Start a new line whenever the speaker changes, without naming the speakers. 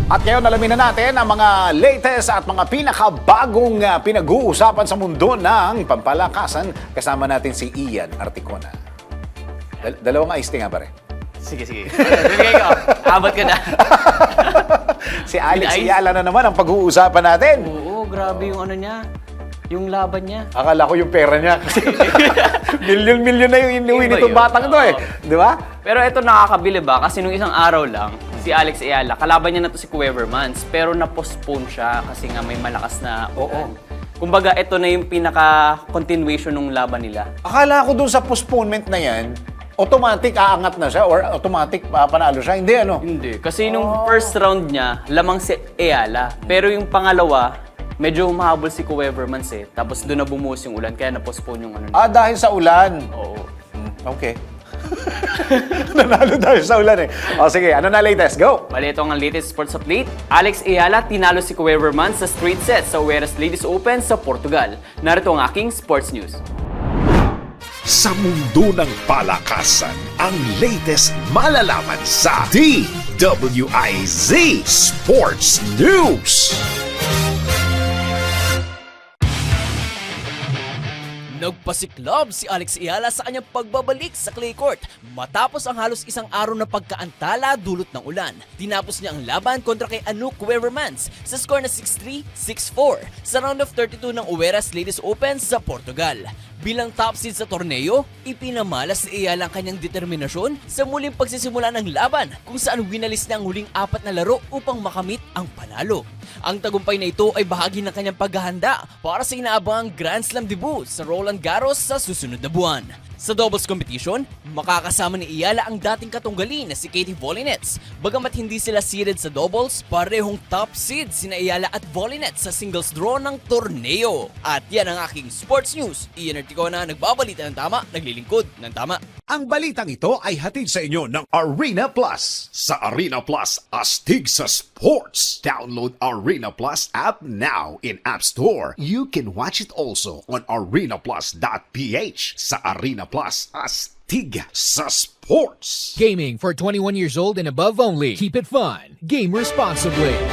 At ngayon alamin na natin ang mga latest at mga pinakabagong pinag-uusapan sa mundo ng pampalakasan. Kasama natin si Ian Articona. Dalawang iced tea nga pare.
Sige. Bibigay ko. Abot ka na.
Si Alex Ayala na naman ang pag-uusapan natin.
Oo, grabe yung ano niya. Yung laban niya.
Akala ko yung pera niya kasi milyon-milyon na yung inuwi
Iba
nitong
yun.
batang to eh. Di ba?
Pero ito nakakabili ba? Kasi nung isang araw lang, si Alex Ayala, kalaban niya na to si Cuevermans. Pero na-postpone siya kasi nga may malakas na ulan. Kumbaga, ito na yung pinaka-continuation ng laban nila.
Akala ko dun sa postponement na yan, automatic aangat na siya or automatic panalo siya. Hindi ano?
Hindi. Kasi nung first round niya, lamang si Ayala. Pero yung pangalawa, medyo humahabol si Cuevermans eh. Tapos doon na bumuhos yung ulan, kaya na-postpone yung ano niya.
Dahil sa ulan.
Oo.
Okay. Nanalo dahil sa ulan eh. O sige, ano na latest? Go!
Bali, ito ang latest sports update. Alex Ayala tinalo si Cuevermans sa straight set sa Oeiras Ladies Open sa Portugal. Narito ang aking sports news.
Sa mundo ng palakasan, ang latest malalaman sa DWIZ Sports News.
Nagpasiklab si Alex Ayala sa kanyang pagbabalik sa clay court matapos ang halos isang araw na pagkaantala dulot ng ulan. Tinapos niya ang laban kontra kay Anouk Cuevermans sa score na 6-3, 6-4 sa round of 32 ng Oeiras Ladies Open sa Portugal. Bilang top seed sa torneo, ipinamalas ni Ayala ang kanyang determinasyon sa muling pagsisimula ng laban kung saan winalis niya ang huling 4 na laro upang makamit ang panalo. Ang tagumpay na ito ay bahagi ng kanyang paghahanda para sa inaabangang Grand Slam debut sa Roland Garros sa susunod na buwan. Sa doubles competition, makakasama ni Ayala ang dating katunggali na si Katie Volinets. Bagamat hindi sila seeded sa doubles, parehong top seed sina Ayala at Volinets sa singles draw ng torneo. At yan ang aking sports news. Ian Articona, nagbabalita ng tama, naglilingkod ng tama.
Ang balitang ito ay hatid sa inyo ng Arena Plus. Sa Arena Plus, astig sa sports. Download Arena Plus app now in App Store. You can watch it also on arenaplus.ph. Sa Arena Plus, astig sa sports.
Gaming for 21 years old and above only. Keep it fun. Game responsibly.